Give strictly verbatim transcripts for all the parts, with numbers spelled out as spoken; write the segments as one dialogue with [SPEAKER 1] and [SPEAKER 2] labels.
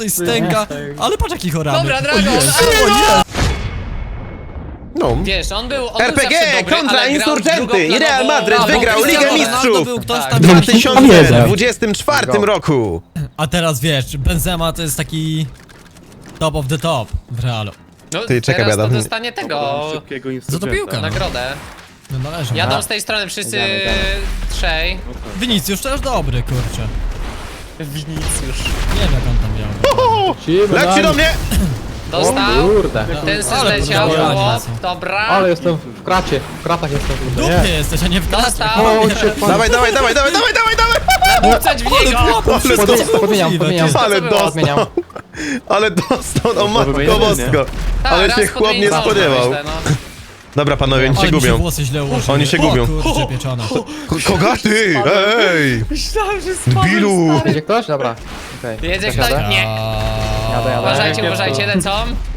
[SPEAKER 1] coś stęka, ale patrz jaki chorany.
[SPEAKER 2] Dobra, Dragon,
[SPEAKER 1] O jest,
[SPEAKER 2] ale-
[SPEAKER 1] o jest.
[SPEAKER 3] No.
[SPEAKER 2] Wiesz, on był, on
[SPEAKER 3] R P G
[SPEAKER 2] był zawsze dobry,
[SPEAKER 3] kontra
[SPEAKER 2] ale grał
[SPEAKER 3] Insurgenty i
[SPEAKER 2] drugoplanową-
[SPEAKER 3] Real Madryt
[SPEAKER 2] A, bo
[SPEAKER 3] wygrał
[SPEAKER 2] Cristiano
[SPEAKER 3] Ligę
[SPEAKER 2] Ronaldo
[SPEAKER 3] Mistrzów
[SPEAKER 1] był ktoś
[SPEAKER 2] Tak.
[SPEAKER 1] tam
[SPEAKER 3] w dwa tysiące dwudziestym czwartym roku.
[SPEAKER 1] A teraz wiesz, Benzema to jest taki top of the top w Realu.
[SPEAKER 2] No,
[SPEAKER 3] Ty, czekaj,
[SPEAKER 2] teraz to
[SPEAKER 3] Adam.
[SPEAKER 2] dostanie tego,
[SPEAKER 4] Szybkiego
[SPEAKER 1] Za to piłka, no.
[SPEAKER 2] nagrodę.
[SPEAKER 1] No należy.
[SPEAKER 2] Jadą z tej strony wszyscy trzej.
[SPEAKER 1] Winicjusz też dobry, kurczę.
[SPEAKER 2] Winicjusz.
[SPEAKER 1] Nie wiem jak on tam miał.
[SPEAKER 3] Leci do mnie!
[SPEAKER 2] Dostał.
[SPEAKER 5] Kurde.
[SPEAKER 2] Ten se
[SPEAKER 1] Ale
[SPEAKER 2] zleciał,
[SPEAKER 1] podejrzewam,
[SPEAKER 2] chłop.
[SPEAKER 1] są.
[SPEAKER 2] Dobra.
[SPEAKER 5] Ale jestem w kracie, w kratach jestem.
[SPEAKER 1] W
[SPEAKER 5] Kurde,
[SPEAKER 1] dupie
[SPEAKER 5] nie.
[SPEAKER 1] jesteś, a nie w klasie.
[SPEAKER 2] Dostał.
[SPEAKER 5] O, się pan...
[SPEAKER 3] Dawaj, dawaj, dawaj, dawaj, dawaj, dawaj, dawaj!
[SPEAKER 2] Nabucać w niego.
[SPEAKER 1] Wszystko
[SPEAKER 5] Podmieniam,
[SPEAKER 1] co
[SPEAKER 5] podmieniam,
[SPEAKER 1] możliwe,
[SPEAKER 5] podmieniam.
[SPEAKER 1] ty.
[SPEAKER 3] Ale
[SPEAKER 2] Co było?
[SPEAKER 5] Odmieniam.
[SPEAKER 3] dostał! Ale dostał, no matko
[SPEAKER 4] wymieniamy,
[SPEAKER 3] bosko!
[SPEAKER 2] Tak,
[SPEAKER 3] Ale
[SPEAKER 2] raz
[SPEAKER 3] się chłop nie
[SPEAKER 2] podmienić można,
[SPEAKER 3] spodziewał.
[SPEAKER 2] myślę, no.
[SPEAKER 3] Dobra panowie, oni się
[SPEAKER 1] Ale mi się
[SPEAKER 3] gubią.
[SPEAKER 1] włosy źle ułożyły.
[SPEAKER 3] Oni się
[SPEAKER 1] O,
[SPEAKER 3] gubią.
[SPEAKER 1] kurczę, pieczone.
[SPEAKER 3] Ko- Kogaty! Ej!
[SPEAKER 2] Myślałem, że spadł.
[SPEAKER 3] Bilu!
[SPEAKER 5] Jedzie ktoś? Dobra. Okej.
[SPEAKER 2] Jedzie
[SPEAKER 5] Też
[SPEAKER 2] ktoś?
[SPEAKER 5] jadę?
[SPEAKER 2] Nie.
[SPEAKER 5] Jadę, jadę.
[SPEAKER 2] Uważajcie,
[SPEAKER 5] Nie,
[SPEAKER 2] uważajcie,
[SPEAKER 5] tu.
[SPEAKER 2] lecą.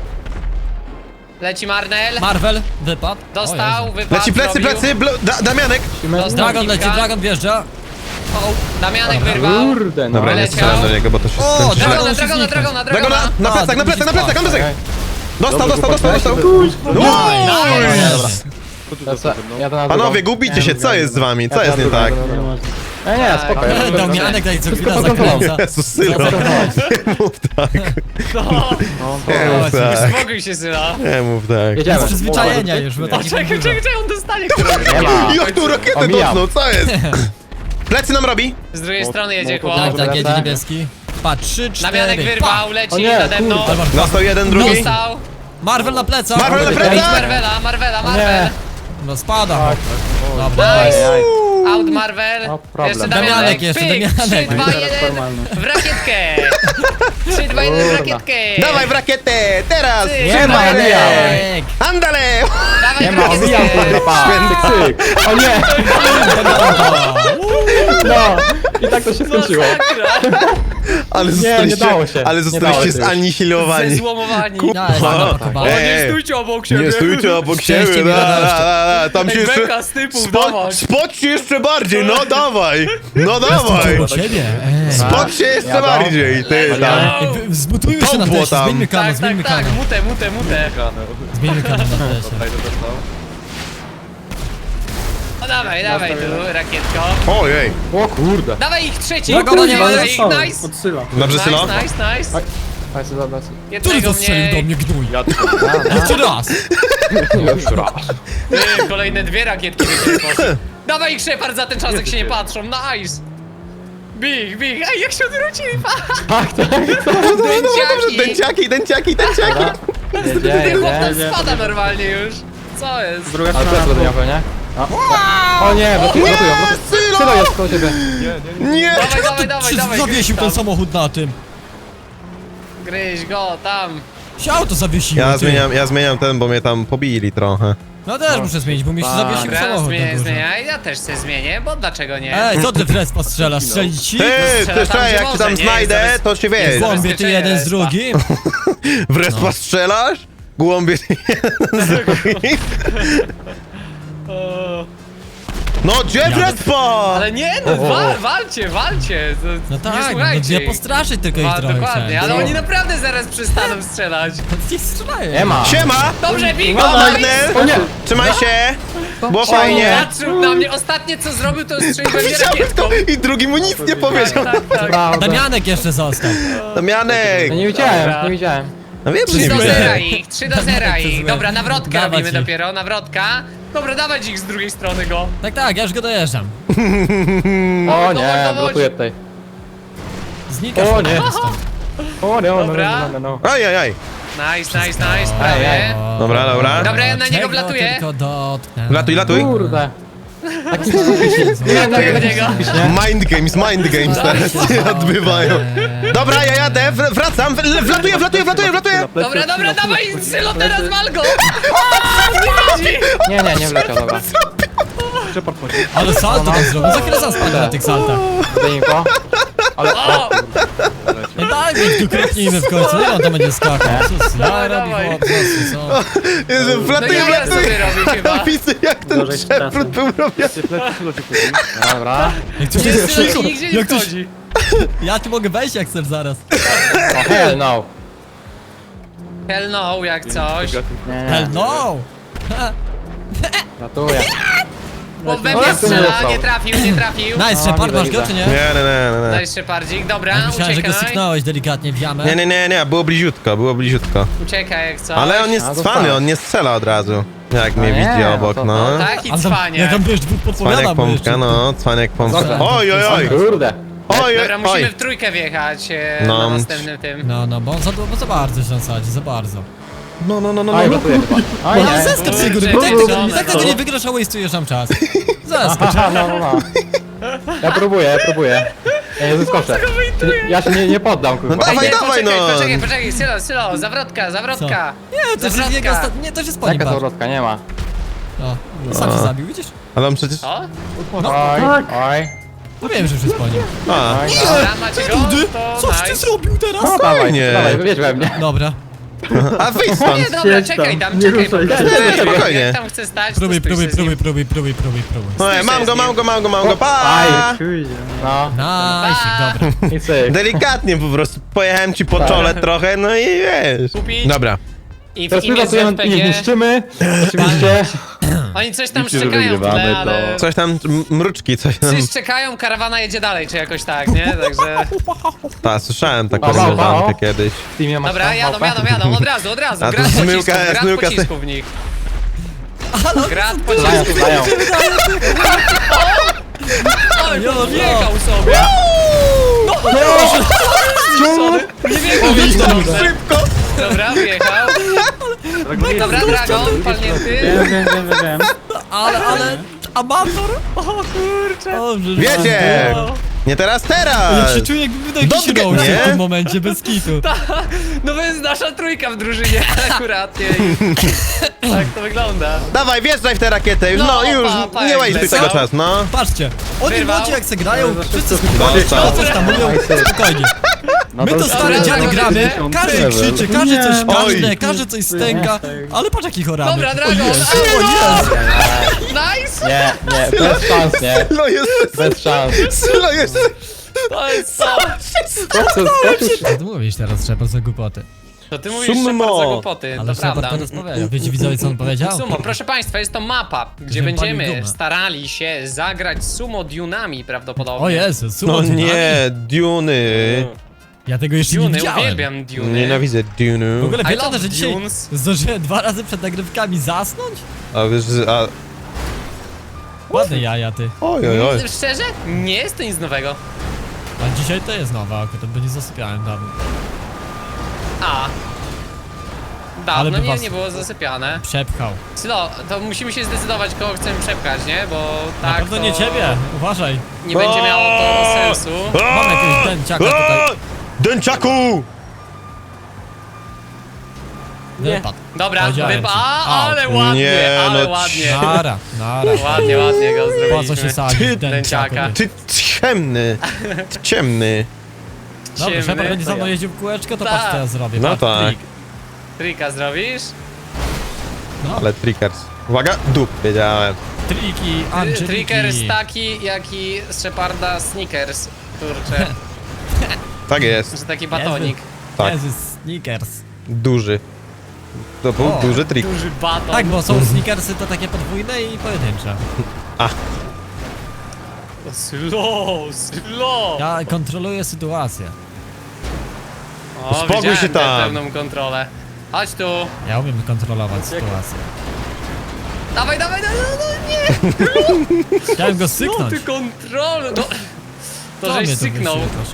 [SPEAKER 2] Leci Marnel.
[SPEAKER 1] Marvel, wypadł. O
[SPEAKER 2] Dostał,
[SPEAKER 1] Jezu.
[SPEAKER 2] wypadł,
[SPEAKER 3] Leci plecy,
[SPEAKER 2] zrobił.
[SPEAKER 3] plecy! Blo- da Damianek!
[SPEAKER 2] Dostał
[SPEAKER 1] Dragon leci,
[SPEAKER 2] kilka.
[SPEAKER 1] Dragon wjeżdża.
[SPEAKER 2] O, Damianek wyrwał.
[SPEAKER 5] Kurde, no.
[SPEAKER 3] Dobra, nie
[SPEAKER 2] Leciał.
[SPEAKER 3] strzelam do niego, bo to się
[SPEAKER 1] O,
[SPEAKER 3] skończy.
[SPEAKER 1] Dragon-
[SPEAKER 2] Dragona,
[SPEAKER 1] się
[SPEAKER 2] dragona,
[SPEAKER 1] zniknął.
[SPEAKER 2] dragona,
[SPEAKER 3] Dragona!
[SPEAKER 2] dragona.
[SPEAKER 3] Na plecach, na plecach, na plecach, na plecach! Dostał, dostał, dostał, dostał!
[SPEAKER 1] Nice.
[SPEAKER 5] Jadę na
[SPEAKER 3] Panowie,
[SPEAKER 5] drugą.
[SPEAKER 3] gubicie się, co jest z wami? Co
[SPEAKER 5] Jadę
[SPEAKER 3] jest
[SPEAKER 5] na
[SPEAKER 3] nie
[SPEAKER 5] drugą,
[SPEAKER 3] tak?
[SPEAKER 5] jadę na drugą. Nie, nie, spoko. ja jadę.
[SPEAKER 1] Damianek daj co chwila
[SPEAKER 5] Tylko
[SPEAKER 1] zakręca.
[SPEAKER 3] Jezus, Sylo, nie mów tak,
[SPEAKER 2] No,
[SPEAKER 5] No,
[SPEAKER 3] nie mów tak,
[SPEAKER 2] spokój się, Syla.
[SPEAKER 3] nie mów tak.
[SPEAKER 5] Jedziemy.
[SPEAKER 1] Z przyzwyczajenia już, bo
[SPEAKER 2] O,
[SPEAKER 1] taki
[SPEAKER 2] czekaj, czekaj, czekaj, on dostanie którego.
[SPEAKER 5] Nie ma.
[SPEAKER 3] Jak tu rakietę
[SPEAKER 5] Omijam.
[SPEAKER 3] dotknął, co jest? Plecy nam robi?
[SPEAKER 2] Z drugiej strony jedzie
[SPEAKER 5] no,
[SPEAKER 2] chłop.
[SPEAKER 1] Tak, tak, jedzie
[SPEAKER 5] Lecę.
[SPEAKER 1] niebieski. Pa, trzy,
[SPEAKER 2] Damianek
[SPEAKER 1] cztery,
[SPEAKER 2] wyrwał,
[SPEAKER 5] O
[SPEAKER 2] leci
[SPEAKER 5] nie,
[SPEAKER 2] nade mną.
[SPEAKER 5] kurde.
[SPEAKER 1] pa.
[SPEAKER 3] Dostał jeden, drugi.
[SPEAKER 2] Dostał.
[SPEAKER 1] Marvel na plecach.
[SPEAKER 3] Marvel na
[SPEAKER 2] Idź
[SPEAKER 3] plecach!
[SPEAKER 2] Marvela, Marvela,
[SPEAKER 5] Nie.
[SPEAKER 2] Marvel.
[SPEAKER 1] No spada.
[SPEAKER 5] Tak.
[SPEAKER 1] Dobra.
[SPEAKER 2] Nice.
[SPEAKER 5] Aj, aj.
[SPEAKER 2] Out Marvel.
[SPEAKER 5] No, problem.
[SPEAKER 2] Jeszcze
[SPEAKER 1] Damianek
[SPEAKER 2] Damianek.
[SPEAKER 1] jeszcze,
[SPEAKER 2] Pyk.
[SPEAKER 1] Damianek.
[SPEAKER 2] trzy, dwa,
[SPEAKER 5] Teraz
[SPEAKER 2] jeden.
[SPEAKER 5] formalny.
[SPEAKER 2] W rakietkę. trzy, dwa, jeden w
[SPEAKER 5] Kurna.
[SPEAKER 2] rakietkę.
[SPEAKER 3] Dawaj w rakietę, teraz!
[SPEAKER 2] Ty,
[SPEAKER 5] Nie ma,
[SPEAKER 3] Cztery.
[SPEAKER 1] Damianek.
[SPEAKER 3] Andale!
[SPEAKER 2] Dawaj
[SPEAKER 5] Nie
[SPEAKER 2] w
[SPEAKER 5] ma, omijam
[SPEAKER 2] rakietkę.
[SPEAKER 5] kurde, pa. Cyk, cyk. O nie! No! I tak to się skończyło.
[SPEAKER 3] Ale
[SPEAKER 5] nie
[SPEAKER 3] zostaliście,
[SPEAKER 5] dało się.
[SPEAKER 3] ale
[SPEAKER 5] Nie
[SPEAKER 3] zostaliście
[SPEAKER 5] dało się już.
[SPEAKER 3] zanihilowani.
[SPEAKER 2] Zezłomowani.
[SPEAKER 1] Nice, napakowałem.
[SPEAKER 3] Ej,
[SPEAKER 2] stójcie obok siebie.
[SPEAKER 3] nie stójcie obok
[SPEAKER 1] Szczęście
[SPEAKER 3] siebie,
[SPEAKER 1] mi
[SPEAKER 3] da,
[SPEAKER 1] dodałeś.
[SPEAKER 3] da, da, da. Tam się
[SPEAKER 2] Ej,
[SPEAKER 3] jeszcze...
[SPEAKER 2] beka z typów,
[SPEAKER 3] Spo,
[SPEAKER 2] dawaj.
[SPEAKER 3] spocz się jeszcze bardziej, no dawaj! No dawaj!
[SPEAKER 1] Obok siebie. Ej.
[SPEAKER 3] Spocz się jeszcze
[SPEAKER 5] Jadą.
[SPEAKER 3] bardziej, ty tam.
[SPEAKER 1] Ej, wy- Zbutujmy się na
[SPEAKER 3] Topło
[SPEAKER 1] teście,
[SPEAKER 3] tam.
[SPEAKER 1] zmieńmy kanał,
[SPEAKER 2] Tak, tak,
[SPEAKER 1] zmieńmy
[SPEAKER 2] tak,
[SPEAKER 1] kanał.
[SPEAKER 2] mutę, mutę, mutę.
[SPEAKER 1] Zmieńmy kanał na teście.
[SPEAKER 2] No dawaj, dawaj tu, rakietko.
[SPEAKER 3] Ojej.
[SPEAKER 5] O kurde.
[SPEAKER 2] Dawaj ich trzeci.
[SPEAKER 1] Dragona nie ma,
[SPEAKER 2] Dawaj ich,
[SPEAKER 4] Dostałem,
[SPEAKER 2] nice.
[SPEAKER 4] odsyła.
[SPEAKER 3] Dobrze,
[SPEAKER 2] Nice,
[SPEAKER 3] Sylo?
[SPEAKER 2] nice, nice.
[SPEAKER 5] Aj, sobie dobra.
[SPEAKER 1] Który
[SPEAKER 2] Jednego
[SPEAKER 1] to strzelił do
[SPEAKER 2] mniej.
[SPEAKER 1] mnie gnój?
[SPEAKER 4] Ja
[SPEAKER 1] Jeszcze raz.
[SPEAKER 5] Jeszcze raz.
[SPEAKER 2] Ty, kolejne dwie rakietki wyszły. Dawaj ich, Shepard, za ten czas, jak się nie patrzą. Nice. Big, big. Ej, jak się odwrócili.
[SPEAKER 5] Tak, tak.
[SPEAKER 3] Dobrze, dobrze, dobrze,
[SPEAKER 2] Dęciaki.
[SPEAKER 3] dęciaki, dęciaki, dęciaki.
[SPEAKER 2] Ten chłop tam
[SPEAKER 5] jedzie.
[SPEAKER 2] spada normalnie już. Co jest?
[SPEAKER 4] Druga
[SPEAKER 5] Ale
[SPEAKER 4] strona.
[SPEAKER 5] plecy będę miał pewnie. A. O nie, blokują, blokują, blokują.
[SPEAKER 3] Sylo!
[SPEAKER 5] Sylo jest koło ciebie.
[SPEAKER 3] Nie!
[SPEAKER 2] Dawaj, dawaj, dawaj,
[SPEAKER 1] Czy
[SPEAKER 2] dawaj.
[SPEAKER 1] zawiesił ten samochód na tym?
[SPEAKER 2] Gryź go, tam.
[SPEAKER 1] Się auto zawiesiło,
[SPEAKER 3] Ja
[SPEAKER 1] ty.
[SPEAKER 3] zmieniam, ja zmieniam ten, bo mnie tam pobili trochę.
[SPEAKER 1] No też muszę zmienić, bo mi się zawiesił
[SPEAKER 2] Dobra,
[SPEAKER 1] samochód na
[SPEAKER 2] zmieniaj,
[SPEAKER 1] górze.
[SPEAKER 2] zmieniaj. Ja też się zmienię, bo dlaczego nie?
[SPEAKER 1] Ej, co ty w respa strzelasz? Strzelić ci?
[SPEAKER 3] Ty,
[SPEAKER 2] strzela
[SPEAKER 3] ty,
[SPEAKER 2] tam,
[SPEAKER 3] czekaj,
[SPEAKER 2] gdzie
[SPEAKER 3] jak cię
[SPEAKER 2] może,
[SPEAKER 3] tam
[SPEAKER 2] nie?
[SPEAKER 3] znajdę,
[SPEAKER 2] Jest
[SPEAKER 3] to się wiesz.
[SPEAKER 2] jest
[SPEAKER 1] Głąbie ty
[SPEAKER 2] zabezpieczenie
[SPEAKER 1] jeden z
[SPEAKER 2] respa.
[SPEAKER 1] drugim?
[SPEAKER 3] W respa strzelasz? Głąbie ty jeden z drugim?
[SPEAKER 2] O,
[SPEAKER 3] No gdzie w respa?
[SPEAKER 2] Ale nie, no wal, walcie, walcie. To,
[SPEAKER 1] No
[SPEAKER 2] nie
[SPEAKER 1] tak, no,
[SPEAKER 2] słuchajcie
[SPEAKER 1] nie
[SPEAKER 2] ich.
[SPEAKER 1] postraszyć tylko ich
[SPEAKER 2] Wa-
[SPEAKER 1] trochę
[SPEAKER 2] Dokładnie,
[SPEAKER 1] chciałem.
[SPEAKER 2] ale oni naprawdę zaraz przestaną strzelać.
[SPEAKER 1] Niech strzelają.
[SPEAKER 5] Nie ma.
[SPEAKER 3] Siema!
[SPEAKER 2] Dobrze, Big,
[SPEAKER 3] No,
[SPEAKER 2] dawaj!
[SPEAKER 3] Magnel!
[SPEAKER 5] O nie.
[SPEAKER 3] Trzymaj się! Było fajnie!
[SPEAKER 2] Patrzył na mnie, ostatnie co zrobił to strzelił we mnie
[SPEAKER 3] Widziałem
[SPEAKER 2] rakietką.
[SPEAKER 3] to i drugi mu nic nie powiedział.
[SPEAKER 2] Tak, tak, tak.
[SPEAKER 5] Prawda.
[SPEAKER 1] Damianek jeszcze został.
[SPEAKER 3] Damianek!
[SPEAKER 5] Ja nie widziałem, nie widziałem.
[SPEAKER 3] No wiem, że
[SPEAKER 2] trzy
[SPEAKER 3] nie
[SPEAKER 2] do zera
[SPEAKER 3] widzę.
[SPEAKER 2] ich, trzy do zera ich.
[SPEAKER 1] złe.
[SPEAKER 2] Dobra, nawrotkę
[SPEAKER 1] Dawać
[SPEAKER 2] robimy
[SPEAKER 1] ich.
[SPEAKER 2] dopiero, nawrotka. Dobra, dawać ich z drugiej strony go.
[SPEAKER 1] Tak, tak, ja już go dojeżdżam.
[SPEAKER 5] O
[SPEAKER 2] dowodź,
[SPEAKER 5] nie,
[SPEAKER 2] dowodź.
[SPEAKER 5] blokuję tutaj.
[SPEAKER 1] Znikasz
[SPEAKER 5] O
[SPEAKER 1] po
[SPEAKER 5] nie.
[SPEAKER 1] prostu.
[SPEAKER 5] O nie, o no,
[SPEAKER 2] Dobra.
[SPEAKER 5] no, no, no.
[SPEAKER 3] Aj, aj, aj.
[SPEAKER 2] Nice, nice, nice,
[SPEAKER 5] Ej,
[SPEAKER 2] prawie.
[SPEAKER 5] ej.
[SPEAKER 3] Dobra, dobra.
[SPEAKER 2] Dobra, ja na niego
[SPEAKER 1] Czego
[SPEAKER 2] wlatuję.
[SPEAKER 1] tylko dotknę.
[SPEAKER 3] Latuj, latuj.
[SPEAKER 5] Kurde.
[SPEAKER 1] Taki
[SPEAKER 5] Nie, nie,
[SPEAKER 2] Latuję
[SPEAKER 5] nie,
[SPEAKER 2] w niego.
[SPEAKER 5] nie.
[SPEAKER 3] Mind games, mind games teraz się odbywają. Dobra, ja jadę, w- wracam, w- wlatuję, wlatuję, wlatuję, wlatuję.
[SPEAKER 2] Dobra, dobra, dawaj, Sylo, teraz wal go! A, nie widzi.
[SPEAKER 5] Nie, nie, nie wleciał, dobra.
[SPEAKER 4] Shepard chodzi.
[SPEAKER 1] Ale salto tam zrobił, za chwilę sam spadł na tych saltach.
[SPEAKER 5] Zdejmij go. Ale
[SPEAKER 2] O!
[SPEAKER 1] Nie daj mi, tu kropnijmy w końcu, ile on tam będzie skakał? Sus, ja
[SPEAKER 2] Dawaj,
[SPEAKER 1] robi
[SPEAKER 2] dawaj.
[SPEAKER 1] chłop, sus, co?
[SPEAKER 3] Jezu,
[SPEAKER 2] No
[SPEAKER 3] wlatuję,
[SPEAKER 2] ja ja
[SPEAKER 3] wlatuję.
[SPEAKER 2] sobie robię chyba.
[SPEAKER 3] Widzę jak ten
[SPEAKER 4] Gorzej z
[SPEAKER 3] przewrót
[SPEAKER 4] czasem.
[SPEAKER 3] był robiony.
[SPEAKER 4] Ty plecy przylo cię kupi.
[SPEAKER 5] Dobra.
[SPEAKER 1] Jak coś
[SPEAKER 2] Nie,
[SPEAKER 1] jest
[SPEAKER 2] ty
[SPEAKER 1] cicho,
[SPEAKER 2] nigdzie nie
[SPEAKER 1] jak coś...
[SPEAKER 2] wchodzi.
[SPEAKER 1] Ja tu mogę wejść jak chcesz zaraz.
[SPEAKER 5] O hell no.
[SPEAKER 2] Hell no, jak coś.
[SPEAKER 5] Nie,
[SPEAKER 1] Hell no!
[SPEAKER 5] ratuję.
[SPEAKER 2] Bo we
[SPEAKER 5] O,
[SPEAKER 2] mnie
[SPEAKER 5] ja tu nie
[SPEAKER 2] strzela,
[SPEAKER 5] dostał.
[SPEAKER 2] nie trafił, nie trafił.
[SPEAKER 1] Nice,
[SPEAKER 5] O,
[SPEAKER 1] Shepard,
[SPEAKER 5] widzę,
[SPEAKER 1] masz go
[SPEAKER 5] widzę.
[SPEAKER 1] czy nie?
[SPEAKER 3] Nie, nie, nie, nie.
[SPEAKER 2] Daj Szepardzik, dobra,
[SPEAKER 1] Myślałem, że go
[SPEAKER 2] uciekaj.
[SPEAKER 1] syknąłeś delikatnie w jamę.
[SPEAKER 3] Nie, nie, nie, nie, było bliziutko, było bliziutko.
[SPEAKER 2] Uciekaj jak coś.
[SPEAKER 3] Ale on jest
[SPEAKER 5] A,
[SPEAKER 3] cwany,
[SPEAKER 5] dostałeś.
[SPEAKER 3] on nie strzela od razu. Jak mnie
[SPEAKER 5] nie,
[SPEAKER 3] widzi
[SPEAKER 5] no
[SPEAKER 3] obok,
[SPEAKER 5] to-
[SPEAKER 3] no.
[SPEAKER 2] No tak i
[SPEAKER 1] Ale tam,
[SPEAKER 2] cwanie.
[SPEAKER 1] jak tam wiesz, dwóch podpowiada
[SPEAKER 3] Cwaniak
[SPEAKER 1] mu
[SPEAKER 3] pompka,
[SPEAKER 1] jeszcze.
[SPEAKER 3] no, cwaniak pompka.
[SPEAKER 1] Dobra.
[SPEAKER 3] Oj, oj, oj,
[SPEAKER 5] Kurde.
[SPEAKER 3] oj,
[SPEAKER 2] Dobra, musimy
[SPEAKER 3] oj.
[SPEAKER 2] w trójkę wjechać e,
[SPEAKER 3] No.
[SPEAKER 2] na następnym tym.
[SPEAKER 1] No, no, bo on za, bo za bardzo się sadzi, za bardzo.
[SPEAKER 3] No, no, no, no,
[SPEAKER 5] Oj,
[SPEAKER 3] no.
[SPEAKER 5] ratuję chyba. Oj,
[SPEAKER 1] Ale
[SPEAKER 5] nie.
[SPEAKER 1] zeskocz z góry,
[SPEAKER 2] Kurczę,
[SPEAKER 1] bo tak tego,
[SPEAKER 2] żona,
[SPEAKER 1] tak tego
[SPEAKER 2] no.
[SPEAKER 1] nie wygrasz, a waste'ujesz nam czas. Zeskocz.
[SPEAKER 5] Aha, no, no, no. Ja próbuję, ja próbuję. Ja nie zeskoczę. Ja się nie, nie poddam, kurwa.
[SPEAKER 3] No dawaj,
[SPEAKER 2] nie,
[SPEAKER 3] dawaj,
[SPEAKER 2] poczekaj,
[SPEAKER 3] no.
[SPEAKER 2] poczekaj, poczekaj, Sylo, Sylo, zawrotka, zawrotka.
[SPEAKER 1] Nie, to jest
[SPEAKER 2] Zawrotka.
[SPEAKER 1] jego ostatni, nie, to się sponi
[SPEAKER 5] Jaka
[SPEAKER 1] bar.
[SPEAKER 5] zawrotka, nie ma.
[SPEAKER 1] No, sam się zabił, widzisz?
[SPEAKER 3] Ale on przecież...
[SPEAKER 2] O,
[SPEAKER 5] Oj, oj.
[SPEAKER 1] No wiem, że już się sponił.
[SPEAKER 3] A,
[SPEAKER 5] Oj, no.
[SPEAKER 2] dobra, macie go, to
[SPEAKER 1] Coś ty
[SPEAKER 2] nice.
[SPEAKER 1] zrobił teraz?
[SPEAKER 5] No dawaj,
[SPEAKER 3] Spokojnie.
[SPEAKER 5] dawaj, wiedź we mnie.
[SPEAKER 1] Dobra,
[SPEAKER 3] a wyjdź stąd.
[SPEAKER 2] Nie, dobra,
[SPEAKER 4] Siedź
[SPEAKER 2] czekaj
[SPEAKER 4] tam,
[SPEAKER 2] tam,
[SPEAKER 4] nie
[SPEAKER 2] czekaj.
[SPEAKER 4] ruszaj
[SPEAKER 2] po
[SPEAKER 4] się.
[SPEAKER 2] prostu.
[SPEAKER 3] Nie, spokojnie.
[SPEAKER 2] Jak tam chcę stać, to
[SPEAKER 1] próbuj,
[SPEAKER 2] stój
[SPEAKER 1] próbuj,
[SPEAKER 2] się z nim.
[SPEAKER 1] próbuj, próbuj, próbuj, próbuj, próbuj.
[SPEAKER 3] Oj, mam go, mam go, mam go, mam go, pa!
[SPEAKER 5] Aj.
[SPEAKER 4] Kurde.
[SPEAKER 5] No,
[SPEAKER 1] Nice, dobra.
[SPEAKER 5] i cyk.
[SPEAKER 3] Delikatnie po prostu pojechałem ci po czole trochę, no i wiesz.
[SPEAKER 2] Kupić?
[SPEAKER 3] Dobra.
[SPEAKER 2] I w
[SPEAKER 5] Teraz my
[SPEAKER 2] imię
[SPEAKER 5] pracujemy,
[SPEAKER 2] Z P
[SPEAKER 5] nie
[SPEAKER 2] G,
[SPEAKER 5] niszczymy. Oczywiście.
[SPEAKER 2] oni coś tam
[SPEAKER 4] Liczy, że
[SPEAKER 2] szczekają w tle,
[SPEAKER 4] wygrywamy,
[SPEAKER 2] ale...
[SPEAKER 3] Coś tam, m- mruczki, coś tam.
[SPEAKER 2] Wszyscy czekają, karawana jedzie dalej, czy jakoś tak, nie? Także...
[SPEAKER 3] Ta, słyszałem taką
[SPEAKER 5] Pa, pa, pa,
[SPEAKER 3] rozwiązankę
[SPEAKER 5] o.
[SPEAKER 3] kiedyś.
[SPEAKER 5] W teamie masz
[SPEAKER 2] Dobra,
[SPEAKER 5] tam
[SPEAKER 2] jadą,
[SPEAKER 5] małpę?
[SPEAKER 2] jadą, jadą, od razu, od razu,
[SPEAKER 3] A to
[SPEAKER 2] grad
[SPEAKER 3] zmyłka,
[SPEAKER 2] pocisków, grad
[SPEAKER 3] zmyłka se-
[SPEAKER 2] pocisków w nich.
[SPEAKER 1] no,
[SPEAKER 2] Grad
[SPEAKER 5] Dają,
[SPEAKER 2] pocisków.
[SPEAKER 5] dają.
[SPEAKER 2] Oj,
[SPEAKER 1] Jo, jo.
[SPEAKER 2] wjechał sobie. Sorry. Nie wjechał, wjechał.
[SPEAKER 3] Szybko!
[SPEAKER 2] Dobra, wjechał. Dobra, Dragon, palnięty.
[SPEAKER 4] Wiem, wiem, wiem, wiem, wiem.
[SPEAKER 1] Ale, ale, amator? O kurczę. O, że
[SPEAKER 3] Wiecie!
[SPEAKER 1] no.
[SPEAKER 3] Nie teraz,
[SPEAKER 1] Ja
[SPEAKER 3] teraz!
[SPEAKER 1] się czuję jakby wydał jakiś
[SPEAKER 3] Dotkę,
[SPEAKER 1] roast
[SPEAKER 3] nie?
[SPEAKER 1] w tym momencie, bez kitu.
[SPEAKER 2] No to jest nasza trójka w drużynie akurat. nie? I tak to wygląda.
[SPEAKER 3] Dawaj, wjeżdżaj w tę rakietę, już,
[SPEAKER 2] No,
[SPEAKER 3] no, już,
[SPEAKER 2] pa, pa,
[SPEAKER 3] nie
[SPEAKER 2] jak
[SPEAKER 3] łajduj
[SPEAKER 2] lecą.
[SPEAKER 3] tego czasu, no.
[SPEAKER 1] Patrzcie, oni
[SPEAKER 2] Wyrwał.
[SPEAKER 1] młodzi jak se grają,
[SPEAKER 4] Za
[SPEAKER 1] wszyscy
[SPEAKER 4] szybko
[SPEAKER 1] spokojnie,
[SPEAKER 3] chyba.
[SPEAKER 1] no coś tam mówią, spokojnie.
[SPEAKER 5] No
[SPEAKER 1] My to stare
[SPEAKER 2] Dobra,
[SPEAKER 1] dziady
[SPEAKER 2] Dragon,
[SPEAKER 1] gramy,
[SPEAKER 2] jedzie.
[SPEAKER 1] każdy
[SPEAKER 4] Level.
[SPEAKER 1] krzyczy, każdy coś
[SPEAKER 3] Oj.
[SPEAKER 1] każdy, każdy coś stęka, ale patrz jaki choramy.
[SPEAKER 2] Dobra, Dragon,
[SPEAKER 1] O Jezu,
[SPEAKER 2] ale
[SPEAKER 1] o Jezu.
[SPEAKER 2] Nice!
[SPEAKER 5] Nie, nie, bez szans, nie.
[SPEAKER 3] Sylo jest,
[SPEAKER 5] Bez szans.
[SPEAKER 3] Sylo jest.
[SPEAKER 2] To jest co?
[SPEAKER 5] Proces, proces.
[SPEAKER 1] Co ty mówisz teraz, Shepard, za głupoty?
[SPEAKER 2] To ty mówisz
[SPEAKER 3] Sumo.
[SPEAKER 2] Shepard za głupoty,
[SPEAKER 1] Ale
[SPEAKER 2] to prawda.
[SPEAKER 1] Shepard teraz powiedział. Wiecie widzowie, co on powiedział?
[SPEAKER 2] Sumo, proszę państwa, jest to mapa, gdzie
[SPEAKER 1] Żebym palił
[SPEAKER 2] będziemy
[SPEAKER 1] gumę.
[SPEAKER 2] starali się zagrać sumo Dunami prawdopodobnie.
[SPEAKER 1] O Jezu, sumo
[SPEAKER 3] No
[SPEAKER 1] dynami.
[SPEAKER 3] nie, Duny.
[SPEAKER 1] Ja tego jeszcze nie
[SPEAKER 2] Duny,
[SPEAKER 1] widziałem.
[SPEAKER 2] uwielbiam Duny.
[SPEAKER 3] Nienawidzę
[SPEAKER 1] W
[SPEAKER 3] Dunu.
[SPEAKER 1] ogóle
[SPEAKER 2] I
[SPEAKER 1] wiecie,
[SPEAKER 2] love
[SPEAKER 1] że dzisiaj
[SPEAKER 2] dunes.
[SPEAKER 1] zdążyłem dwa razy przed nagrywkami zasnąć?
[SPEAKER 3] A wiesz, że- a...
[SPEAKER 1] Ładne jaja, ty.
[SPEAKER 3] Oj, oj, oj.
[SPEAKER 2] Szczerze? Nie jest to nic nowego.
[SPEAKER 1] A dzisiaj to jest nowa, akurat, bo nie zasypiałem dawno.
[SPEAKER 2] A.
[SPEAKER 1] Ale
[SPEAKER 2] Dawno
[SPEAKER 1] by
[SPEAKER 2] nie,
[SPEAKER 1] was-
[SPEAKER 2] nie było zasypiane.
[SPEAKER 1] Przepchał.
[SPEAKER 2] Sylo, to musimy się zdecydować, kogo chcemy przepchać, nie? Bo
[SPEAKER 1] Na
[SPEAKER 2] tak
[SPEAKER 1] pewno
[SPEAKER 2] to
[SPEAKER 1] nie ciebie, uważaj.
[SPEAKER 2] nie będzie miało to sensu.
[SPEAKER 1] Mam jakiegoś dęciaka tutaj.
[SPEAKER 3] Dęciaku!
[SPEAKER 1] Wypadł.
[SPEAKER 2] Dobra,
[SPEAKER 1] Powiedziałem
[SPEAKER 2] wypa,
[SPEAKER 1] ci.
[SPEAKER 2] a,
[SPEAKER 1] A,
[SPEAKER 2] ale ładnie,
[SPEAKER 3] nie,
[SPEAKER 2] ale
[SPEAKER 3] no
[SPEAKER 2] ładnie.
[SPEAKER 1] Nara, nara.
[SPEAKER 2] Ładnie, ładnie go zrobiliśmy.
[SPEAKER 1] Po co się sadzić
[SPEAKER 3] Ty,
[SPEAKER 1] dęciaka?
[SPEAKER 2] dęciaka.
[SPEAKER 3] Ty ciemny. Ty ciemny.
[SPEAKER 1] Dobra,
[SPEAKER 2] Ciemny,
[SPEAKER 1] Shepard będzie
[SPEAKER 2] to
[SPEAKER 1] za mną
[SPEAKER 2] ja.
[SPEAKER 1] jeździł w kółeczko, to
[SPEAKER 2] Tak.
[SPEAKER 1] patrz co ja zrobię.
[SPEAKER 3] No
[SPEAKER 1] patrz,
[SPEAKER 3] tak.
[SPEAKER 1] trik.
[SPEAKER 2] Trika zrobisz?
[SPEAKER 1] No,
[SPEAKER 3] Ale trickers. Uwaga, dup, wiedziałem.
[SPEAKER 1] triki, Angeliki.
[SPEAKER 2] Trickers taki, jak i z Sheparda Snickers. Kurczę,
[SPEAKER 3] Tak jest,
[SPEAKER 2] że taki batonik.
[SPEAKER 3] tak.
[SPEAKER 1] Jezus, Snickers.
[SPEAKER 3] Duży. To był
[SPEAKER 1] O,
[SPEAKER 3] duży trik.
[SPEAKER 2] Duży baton.
[SPEAKER 1] Tak, bo są Snickersy to takie podwójne i pojedyncze.
[SPEAKER 2] Slow, slow.
[SPEAKER 1] Ja kontroluję sytuację.
[SPEAKER 2] O,
[SPEAKER 3] Uspokój
[SPEAKER 2] widziałem
[SPEAKER 3] się
[SPEAKER 2] tę
[SPEAKER 3] tam.
[SPEAKER 2] pewną kontrolę. Chodź tu.
[SPEAKER 1] Ja umiem kontrolować sytuację.
[SPEAKER 2] Dawaj, dawaj, dawaj, no nie.
[SPEAKER 1] Chciałem go
[SPEAKER 2] No
[SPEAKER 1] syknąć.
[SPEAKER 2] ty kontrol. No. To
[SPEAKER 1] Co
[SPEAKER 2] żeś
[SPEAKER 1] mnie tu
[SPEAKER 2] syknął.
[SPEAKER 1] wyświetlasz?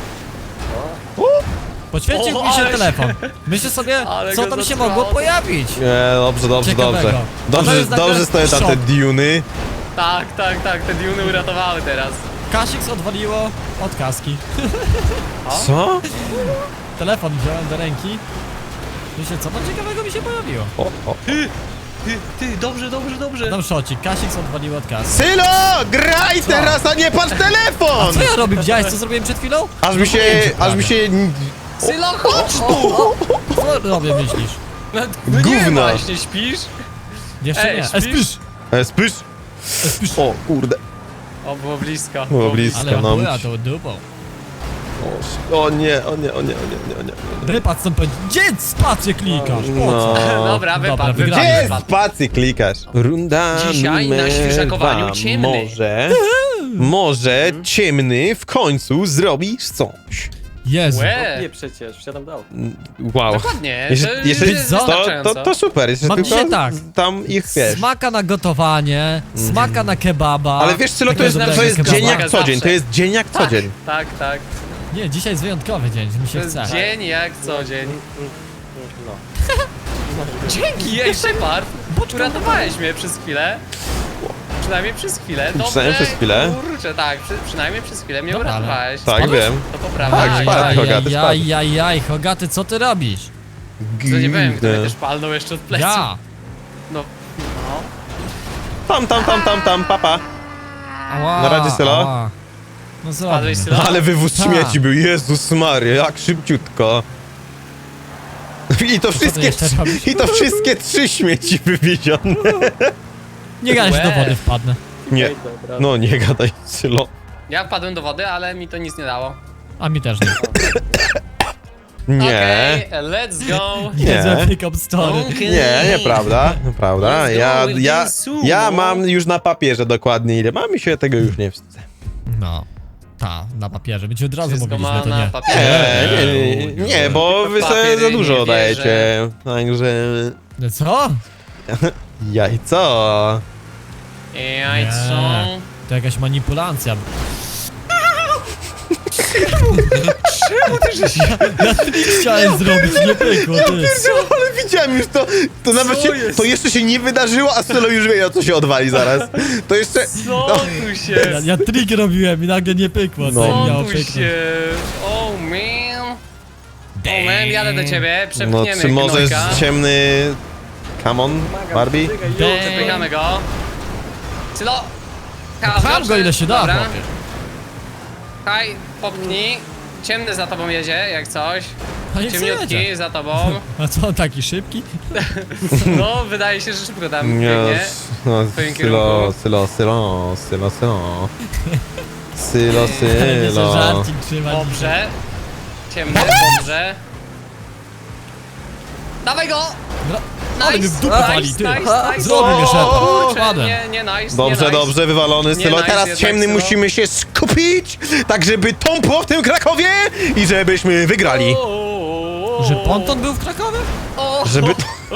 [SPEAKER 1] Poświęcił
[SPEAKER 2] O,
[SPEAKER 1] mi się
[SPEAKER 2] ale-
[SPEAKER 1] telefon. Myślę sobie,
[SPEAKER 2] ale
[SPEAKER 1] co
[SPEAKER 2] go
[SPEAKER 1] tam się
[SPEAKER 2] zatrwało.
[SPEAKER 1] mogło pojawić.
[SPEAKER 3] Nie, dobrze, dobrze,
[SPEAKER 1] Ciekawego.
[SPEAKER 3] dobrze.
[SPEAKER 1] To
[SPEAKER 3] Dobrze,
[SPEAKER 1] jest nagle
[SPEAKER 3] dobrze stoją tam te
[SPEAKER 1] szok.
[SPEAKER 3] duny.
[SPEAKER 2] Tak, tak, tak, te diuny uratowały teraz.
[SPEAKER 1] Kasix odwaliło od kaski.
[SPEAKER 3] Co?
[SPEAKER 1] Telefon wziąłem do ręki. Myślę, co tam ciekawego mi się pojawiło.
[SPEAKER 3] O, o.
[SPEAKER 2] Ty, ty, dobrze, dobrze, dobrze.
[SPEAKER 1] Tam szocik, Kasik odwalił od kasy.
[SPEAKER 3] Sylo, graj teraz, a nie patrz telefon!
[SPEAKER 1] Co ja robię? Widziałeś, co zrobiłem przed chwilą?
[SPEAKER 3] Aż mi się, aż mi się...
[SPEAKER 2] Sylo, chodź tu!
[SPEAKER 1] Co robię, myślisz?
[SPEAKER 2] No, no nie
[SPEAKER 3] Gówno.
[SPEAKER 2] właśnie, śpisz?
[SPEAKER 1] Jeszcze
[SPEAKER 2] Ej,
[SPEAKER 1] nie.
[SPEAKER 2] śpisz?
[SPEAKER 1] E, spisz!
[SPEAKER 3] E, spysz.
[SPEAKER 1] E, spisz!
[SPEAKER 3] O, kurde.
[SPEAKER 2] O, było blisko.
[SPEAKER 3] Było blisko,
[SPEAKER 1] Ale
[SPEAKER 3] no.
[SPEAKER 1] była to dupą.
[SPEAKER 3] O nie, o nie, o nie, o nie, o nie, o nie.
[SPEAKER 1] Wypad stąd powiedzieć. Gdzie spację klikasz? Po co?
[SPEAKER 3] No.
[SPEAKER 2] Dobra, wypadł,
[SPEAKER 1] wygrałem.
[SPEAKER 3] Gdzie
[SPEAKER 2] wypadł.
[SPEAKER 3] jest spacji klikasz? Runda
[SPEAKER 2] Dzisiaj na
[SPEAKER 3] numer
[SPEAKER 2] świeżakowaniu
[SPEAKER 3] dwa.
[SPEAKER 2] ciemny.
[SPEAKER 3] Może, może ciemny w końcu zrobisz coś.
[SPEAKER 1] Jezu.
[SPEAKER 2] Łe,
[SPEAKER 4] Nie przecież, wsiadam do auta.
[SPEAKER 3] Wow.
[SPEAKER 2] dokładnie,
[SPEAKER 3] Jeszcze,
[SPEAKER 2] to
[SPEAKER 3] jeszcze,
[SPEAKER 2] jest
[SPEAKER 1] co?
[SPEAKER 3] to,
[SPEAKER 2] wystarczająco.
[SPEAKER 3] to, to super, jeszcze
[SPEAKER 1] Mam
[SPEAKER 3] tylko
[SPEAKER 1] dzisiaj tak.
[SPEAKER 3] tam ich wiesz.
[SPEAKER 1] Smaka na gotowanie, smaka na kebaba.
[SPEAKER 3] Ale wiesz Sylo, to jest,
[SPEAKER 1] Takiego
[SPEAKER 3] to jest
[SPEAKER 1] dobrego
[SPEAKER 3] dzień
[SPEAKER 1] kebaba.
[SPEAKER 3] jak co dzień, to jest dzień jak co
[SPEAKER 2] Tak,
[SPEAKER 3] dzień.
[SPEAKER 2] tak, tak.
[SPEAKER 1] Nie, dzisiaj jest wyjątkowy dzień, że mi
[SPEAKER 2] To
[SPEAKER 1] się
[SPEAKER 2] jest
[SPEAKER 1] chce.
[SPEAKER 2] dzień jak co dzień.
[SPEAKER 4] No.
[SPEAKER 2] Dzięki, ej, Shepard! Uratowałeś mnie przez chwilę. Przynajmniej przez chwilę. Dobre,
[SPEAKER 3] Przynajmniej przez chwilę.
[SPEAKER 2] Kurczę, tak, przy, przynajmniej przez chwilę mnie
[SPEAKER 1] Dobra, ale-
[SPEAKER 2] uratowałeś.
[SPEAKER 3] Tak,
[SPEAKER 1] Spadłeś?
[SPEAKER 3] wiem.
[SPEAKER 2] To poprawia.
[SPEAKER 3] Tak,
[SPEAKER 2] Aj,
[SPEAKER 3] spadł,
[SPEAKER 2] aj,
[SPEAKER 3] Hogaty, spadł.
[SPEAKER 1] Jaj, jaj, jaj, Hogaty, co ty robisz?
[SPEAKER 2] To nie wiem, kto mnie też palnął jeszcze od pleców.
[SPEAKER 1] Ja!
[SPEAKER 2] No, no.
[SPEAKER 3] Tam, tam, tam, tam, tam, papa.
[SPEAKER 1] Ała,
[SPEAKER 3] Na razie, Sylo?
[SPEAKER 1] ała. No
[SPEAKER 2] Spadłeś,
[SPEAKER 1] zrobię.
[SPEAKER 2] Sylo?
[SPEAKER 3] Ale wywóz
[SPEAKER 1] Tak.
[SPEAKER 3] śmieci był, Jezus Maria, jak szybciutko. I to wszystkie,
[SPEAKER 1] jeszcze robisz?
[SPEAKER 3] i to wszystkie trzy śmieci wywiezione.
[SPEAKER 1] Nie gadaj, że do
[SPEAKER 2] Łe.
[SPEAKER 1] wody wpadnę.
[SPEAKER 3] Nie,
[SPEAKER 4] Okej, dobra.
[SPEAKER 3] no nie gadaj, Sylo.
[SPEAKER 2] Ja wpadłem do wody, ale mi to nic nie dało.
[SPEAKER 1] A mi też nie.
[SPEAKER 3] Nie,
[SPEAKER 2] Okej, let's go.
[SPEAKER 3] Nie.
[SPEAKER 1] Nie, za pick-up story.
[SPEAKER 2] Okej.
[SPEAKER 3] nie, nieprawda, nieprawda.
[SPEAKER 2] Let's go
[SPEAKER 3] Ja,
[SPEAKER 2] with
[SPEAKER 3] ja,
[SPEAKER 2] the sumo.
[SPEAKER 3] ja mam już na papierze dokładnie ile mam i się tego już nie wstydzę.
[SPEAKER 1] No. Ta, na papierze. My ci od razu
[SPEAKER 2] Wszystko
[SPEAKER 1] mówiliśmy,
[SPEAKER 2] ma
[SPEAKER 1] to
[SPEAKER 2] na
[SPEAKER 1] nie.
[SPEAKER 2] papierze.
[SPEAKER 3] Nie, nie, nie, nie, nie, bo wy sobie
[SPEAKER 2] Papiery
[SPEAKER 3] za dużo
[SPEAKER 2] nie
[SPEAKER 3] dajecie.
[SPEAKER 2] wierzę.
[SPEAKER 3] Także...
[SPEAKER 1] No co?
[SPEAKER 3] Jajco.
[SPEAKER 2] Jajco.
[SPEAKER 1] To jakaś manipulacja.
[SPEAKER 2] Czemu ty żeś...
[SPEAKER 1] Ja trik chciałem zrobić, nie pykło, ty.
[SPEAKER 3] Ale widziałem już to, to nawet się,
[SPEAKER 2] jest?
[SPEAKER 3] to jeszcze się nie wydarzyło, a Sylo już wie, o co się odwali zaraz. To jeszcze...
[SPEAKER 2] Co
[SPEAKER 3] No.
[SPEAKER 2] tu
[SPEAKER 1] Ja,
[SPEAKER 2] się...
[SPEAKER 1] ja trik robiłem i nagle nie pykło,
[SPEAKER 3] No.
[SPEAKER 1] co
[SPEAKER 2] Co
[SPEAKER 1] miało
[SPEAKER 2] tu
[SPEAKER 1] pyknąć.
[SPEAKER 2] się... Oh man. Oh man, jadę do ciebie,
[SPEAKER 3] No,
[SPEAKER 2] przepchniemy
[SPEAKER 3] czy możesz
[SPEAKER 2] gnojka.
[SPEAKER 3] ciemny... Come on, Barbie?
[SPEAKER 1] Damn.
[SPEAKER 2] Przepychamy go. Sylo.
[SPEAKER 1] Pcham go ile się da,
[SPEAKER 2] Dobra.
[SPEAKER 1] chłopie.
[SPEAKER 2] Haj, popchnij. Ciemny za tobą jedzie, jak coś.
[SPEAKER 1] A nie
[SPEAKER 2] Ciemniutki
[SPEAKER 1] jedzie.
[SPEAKER 2] za tobą.
[SPEAKER 1] A co, on taki szybki?
[SPEAKER 2] No, wydaje się, że szybko tam
[SPEAKER 3] Nie,
[SPEAKER 2] biegnie.
[SPEAKER 3] no,
[SPEAKER 2] twoim
[SPEAKER 3] Sylo,
[SPEAKER 2] kierunku.
[SPEAKER 3] Sylo, Sylo, Sylo, Sylo. Sylo,
[SPEAKER 1] Ale mnie za
[SPEAKER 3] Sylo.
[SPEAKER 1] żarcik trzyma.
[SPEAKER 2] Dobrze. Ciemny, dobrze. Dawaj go!
[SPEAKER 1] No, ale mnie w dupę
[SPEAKER 2] nice,
[SPEAKER 1] wali, ty.
[SPEAKER 2] nice, nice.
[SPEAKER 1] Zrobił mnie Shepard.
[SPEAKER 2] Kurczę,
[SPEAKER 1] Wpadłem.
[SPEAKER 2] Nie, nie, nice,
[SPEAKER 3] Dobrze,
[SPEAKER 2] nie, nice.
[SPEAKER 3] dobrze, wywalony
[SPEAKER 2] Nie,
[SPEAKER 3] Sylo.
[SPEAKER 2] nice,
[SPEAKER 3] Teraz
[SPEAKER 2] jednak
[SPEAKER 3] ciemny
[SPEAKER 2] Sylo.
[SPEAKER 3] musimy się skupić, tak żeby tąpło w tym Krakowie i żebyśmy wygrali.
[SPEAKER 2] O,
[SPEAKER 1] Że ponton był w Krakowie?
[SPEAKER 2] o,
[SPEAKER 3] Żeby...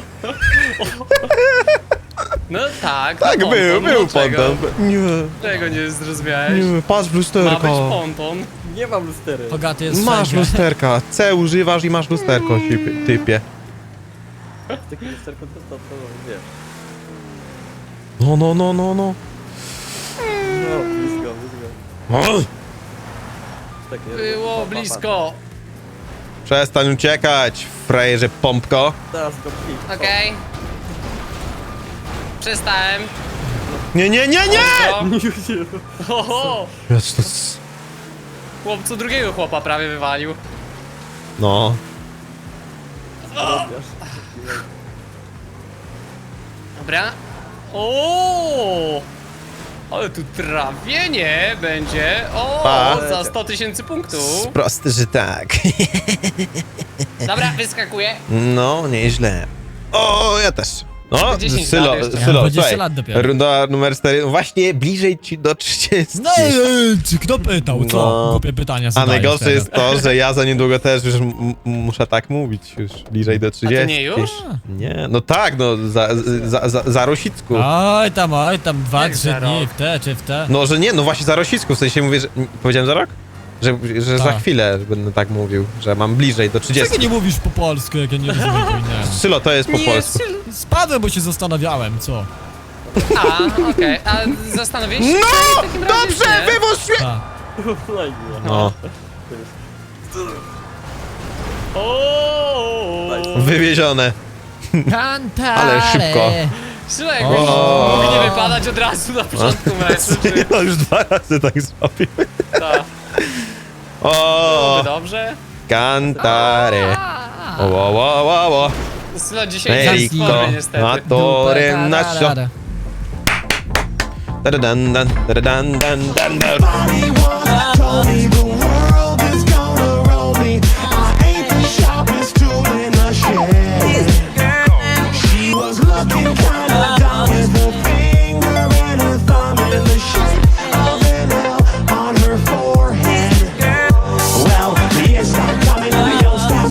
[SPEAKER 2] No tak,
[SPEAKER 3] Tak,
[SPEAKER 2] no
[SPEAKER 3] był,
[SPEAKER 2] ponton,
[SPEAKER 3] był
[SPEAKER 2] no czego?
[SPEAKER 3] ponton. Nie,
[SPEAKER 2] Czego nie zrozumiałeś?
[SPEAKER 3] nie, patrz w
[SPEAKER 2] Ma być
[SPEAKER 3] lusterko.
[SPEAKER 2] ponton.
[SPEAKER 4] Nie mam lustery.
[SPEAKER 1] Hogaty jest
[SPEAKER 3] Masz
[SPEAKER 1] wszędzie.
[SPEAKER 3] lusterka. C używasz i masz lusterko, typie- typie.
[SPEAKER 4] Takie lusterko to, to, to wiesz.
[SPEAKER 3] No, no, no, no, no.
[SPEAKER 4] No, blisko, blisko.
[SPEAKER 3] O,
[SPEAKER 4] Takie,
[SPEAKER 2] Było
[SPEAKER 4] pa, pa, pa.
[SPEAKER 2] blisko.
[SPEAKER 3] przestań uciekać, frajerze pompko.
[SPEAKER 4] Teraz go pij.
[SPEAKER 2] Okej. Przestałem.
[SPEAKER 3] Nie, nie, nie, nie!
[SPEAKER 2] Ostro. Oho!
[SPEAKER 3] Jest to... s-
[SPEAKER 2] Chłopcu drugiego chłopa prawie wywalił.
[SPEAKER 3] No.
[SPEAKER 4] Rozwijasz.
[SPEAKER 2] Dobra. O! Ale tu trawienie będzie. O!
[SPEAKER 3] Pa.
[SPEAKER 2] Za sto tysięcy punktów.
[SPEAKER 3] Prosty, że tak.
[SPEAKER 2] Dobra, wyskakuję.
[SPEAKER 3] No, nieźle. O, ja też. No,
[SPEAKER 2] dziesięć
[SPEAKER 3] Sylo,
[SPEAKER 2] lat jeszcze.
[SPEAKER 1] Ja mam
[SPEAKER 3] Sylo,
[SPEAKER 1] dwadzieścia
[SPEAKER 3] słuchaj,
[SPEAKER 1] lat dopiero.
[SPEAKER 3] runda numer cztery, właśnie bliżej ci do trzydziestu.
[SPEAKER 1] No ej, czy kto pytał, co?
[SPEAKER 3] No.
[SPEAKER 1] Głupie pytania
[SPEAKER 3] A
[SPEAKER 1] zadajesz
[SPEAKER 3] najgorsze
[SPEAKER 1] teraz.
[SPEAKER 3] jest to, że ja za niedługo też już m- m- muszę tak mówić, już bliżej do trzydziestu.
[SPEAKER 2] nie już?
[SPEAKER 3] Nie, no tak, no za, za, za, za Rosicku.
[SPEAKER 1] Oj tam, oj tam, dwa,
[SPEAKER 2] Jak
[SPEAKER 1] trzy
[SPEAKER 2] za
[SPEAKER 1] dni,
[SPEAKER 2] rok?
[SPEAKER 1] w te czy w te.
[SPEAKER 3] No, że nie, no właśnie za Rosicku, w sensie mówię, że... Powiedziałem za rok? Że, że za
[SPEAKER 1] Tak.
[SPEAKER 3] chwilę będę tak mówił, że mam bliżej do
[SPEAKER 1] Dlaczego
[SPEAKER 3] trzydziestu.
[SPEAKER 1] nie mówisz po polsku, jak ja nie rozumiem po innemu?
[SPEAKER 3] Sylo, to jest po polsku.
[SPEAKER 1] Spadłem, bo się zastanawiałem, co?
[SPEAKER 2] A, okej. A zastanowiłeś się?
[SPEAKER 3] No!
[SPEAKER 2] w takim razie,
[SPEAKER 3] Dobrze,
[SPEAKER 2] nie?
[SPEAKER 3] wywóz śmie...
[SPEAKER 1] Ta.
[SPEAKER 4] Fajnie.
[SPEAKER 3] No,
[SPEAKER 2] O!
[SPEAKER 3] wywiezione.
[SPEAKER 1] Cantare.
[SPEAKER 3] Ale szybko.
[SPEAKER 2] Sylo, jakbyś mógł nie wypadać od razu na początku meczu, czy...
[SPEAKER 3] No już dwa razy tak zrobił.
[SPEAKER 2] Tak.
[SPEAKER 3] O,
[SPEAKER 2] Byłoby dobrze.
[SPEAKER 3] cantare. O, o, o, o, o.
[SPEAKER 2] Sylo dzisiaj jest w
[SPEAKER 3] Merico,
[SPEAKER 2] formie niestety.
[SPEAKER 3] atore nascio. Da-da-dan, dan, da-da-dan, dan, dan, dan.
[SPEAKER 6] Somebody once told me the world is gonna roll me. I ain't the sharpest tool in the shed. She was looking